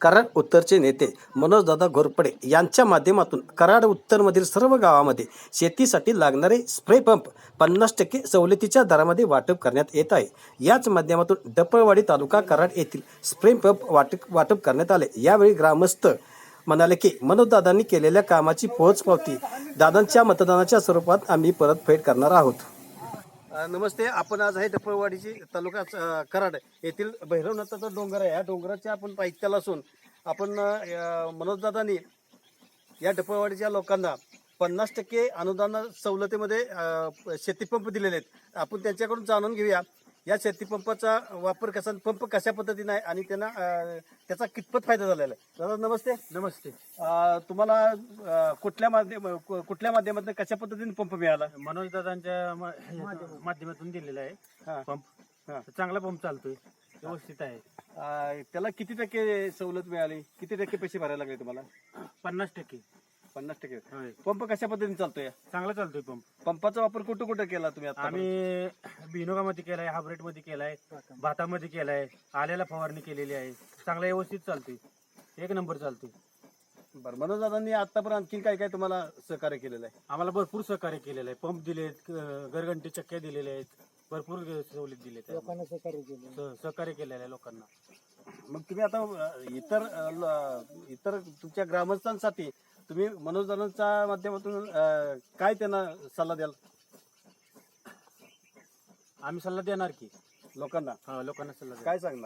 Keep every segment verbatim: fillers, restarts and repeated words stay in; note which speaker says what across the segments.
Speaker 1: कराड उत्तरचे नेते मनोजदादा घोरपडे यांच्या माध्यमातून कराड उत्तरमधील सर्व गावामध्ये शेतीसाठी लागणारे स्प्रे पंप पन्नास टक्के सवलतीच्या दरामध्ये वाटप करण्यात येत आहे। याच माध्यमातून डपळवाडी तालुका कराड येथील स्प्रे पंप वाटप वाटप करण्यात आले। यावेळी ग्रामस्थ म्हणाले की मनोजदादांनी केलेल्या कामाची पोहोचपावती दादांच्या मतदानाच्या स्वरूपात आम्ही परतफेड करणार आहोत। नमस्ते, आपण आज आहे डपळवाडीची तालुका अ, कराड येथील भैरवनाथाचा डोंगर आहे। या डोंगराच्या आपण पायथ्याला असून आपण अ, मनोजदादांनी या डपळवाडीच्या लोकांना पन्नास टक्के अनुदान सवलतीमध्ये अ, शेतीपंप दिलेले आहेत। आपण त्यांच्याकडून जाणून घेऊया या शेतीपंपाचा वापर कसा, पंप कशा पद्धतीने आहे आणि त्यांना अ, त्याचा कितपत फायदा झालेला आहे। दादा नमस्ते।
Speaker 2: नमस्ते।
Speaker 1: अ, तुम्हाला अ, कुठल्या माध्यम कुठल्या माध्यमातून कशा पद्धतीने पंप मिळाला?
Speaker 2: मनोज दादांच्या माध्यमातून दिलेला आहे
Speaker 1: हा.
Speaker 2: पंप। चांगला पंप चालतोय, व्यवस्थित आहे।
Speaker 1: अ, त्याला किती टक्के सवलत मिळाली, किती टक्के पैसे भरायला लागले तुम्हाला?
Speaker 2: पन्नास टक्के।
Speaker 1: पन्नास टक्के।
Speaker 2: होय,
Speaker 1: पंप कशा पद्धतीने चालतोय?
Speaker 2: चांगला चालतोय पंप।
Speaker 1: पंपाचा वापर कुठं कुठं केला तुम्ही आता?
Speaker 2: आम्ही बिनोगामध्ये केलाय, हायब्रिड मध्ये केलाय, भातामध्ये केलाय, आल्याला फवारणी केलेली आहे। चांगला व्यवस्थित चालतोय, एक नंबर चालतोय।
Speaker 1: बरं, मनोज दादांनी आतापर्यंत आणखी काय काय तुम्हाला सहकार्य केलेलं आहे?
Speaker 2: आम्हाला भरपूर सहकार्य केलेलं आहे। पंप दिलेत, घरघंटी चक्क्या दिलेल्या आहेत, भरपूर सवलत दिलेत, लोकांना सहकार्य केलं सहकार्य केलेलं आहे लोकांना।
Speaker 1: मग तुम्ही आता अ, इतर अ, ल- इतर तुमच्या ग्रामस्थांसाठी तुम्ही मनोज दादांच्या माध्यमातून अ, काय त्यांना सल्ला द्याल
Speaker 2: आम्ही सल्ला देणार की
Speaker 1: लोकांना?
Speaker 2: हा, लोकांना सल्ला देणार।
Speaker 1: काय सांगणार?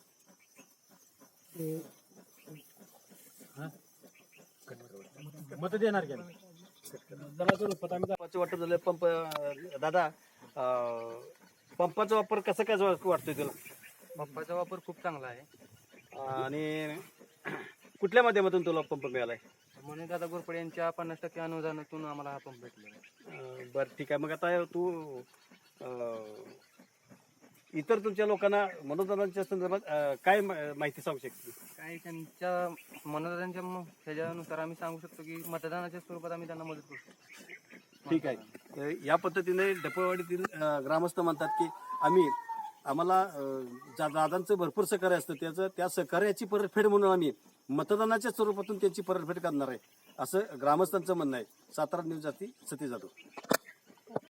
Speaker 2: मत देणार की आम्ही।
Speaker 1: पंपाचं वाटप झालं पंप अ, दादा अ, पंपाचा वापर कसा काय वाटतोय तुला?
Speaker 3: पंपाचा वापर खूप चांगला आहे
Speaker 1: आणि कुठल्या माध्यमातून तुला पंप मिळालाय?
Speaker 3: म्हणून दादा घोरपडे यांच्या पन्नास टक्के अनुदानातून आम्हाला हा पंप भेटलेला आहे।
Speaker 1: अं, बरं ठीक आहे। मग आता तू अं, इतर तुमच्या लोकांना मनोदानाच्या संदर्भात अं, काय मा- माहिती सांगू शकते?
Speaker 3: काय त्यांच्या मनोदानाच्या म- ह्याच्यानुसार आम्ही सांगू शकतो की मतदानाच्या स्वरूपात आम्ही त्यांना मदत करू शकतो।
Speaker 1: ठीक आहे। तर या पद्धतीने डपळवाडीतील अं, ग्रामस्थ म्हणतात की आम्ही आम्हाला अं, ज्या दादांचं भरपूर सहकार्य असतं, त्याचं त्या सहकार्याची परतफेड म्हणून आम्ही मतदानाच्या स्वरूपातून त्यांची परतफेड करणार आहे, असं ग्रामस्थांचं म्हणणं आहे। सातारा न्यूज जाती सती जाधव।